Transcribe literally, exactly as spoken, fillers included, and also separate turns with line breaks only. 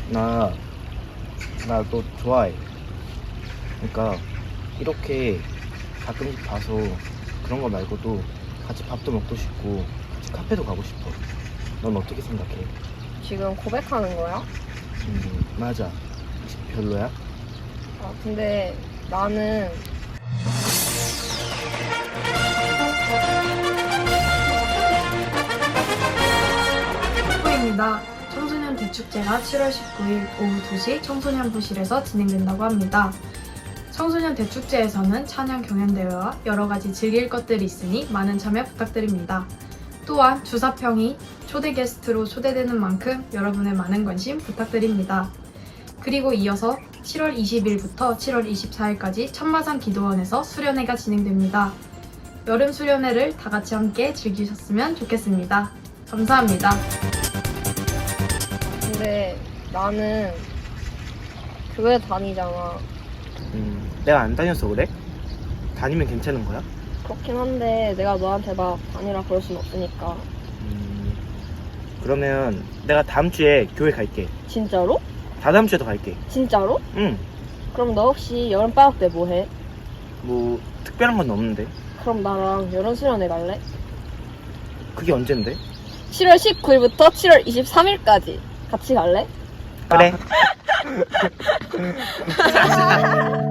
나, 나 너 좋아해. 그러니까 이렇게 가끔씩 봐서 그런 거 말고도 같이 밥도 먹고 싶고 같이 카페도 가고 싶어. 넌 어떻게 생각해?
지금 고백하는 거야?
음, 맞아. 혹시 별로야?
아, 근데 나는
후입니다. 청소년 대축제가 칠월 십구일 오후 두 시 청소년부실에서 진행된다고 합니다. 청소년 대축제에서는 찬양 경연대회와 여러가지 즐길 것들이 있으니 많은 참여 부탁드립니다. 또한 주사평이 초대 게스트로 초대되는 만큼 여러분의 많은 관심 부탁드립니다. 그리고 이어서 칠월 이십일부터 칠월 이십사일까지 천마산 기도원에서 수련회가 진행됩니다. 여름 수련회를 다 같이 함께 즐기셨으면 좋겠습니다. 감사합니다.
근데 나는 교회 다니잖아.
음, 내가 안 다녀서 그래? 다니면 괜찮은 거야?
그렇긴 한데 내가 너한테 막 다니라 그럴 순 없으니까.
음, 그러면 내가 다음 주에 교회 갈게.
진짜로?
다다음 주에도 갈게.
진짜로?
응,
그럼 너 혹시 여름방학 때 뭐 해?
뭐 특별한 건 없는데.
그럼 나랑 여름 수련회 갈래?
그게 언젠데?
칠월 십구일부터 칠월 이십삼일까지 같이 갈래?
그래.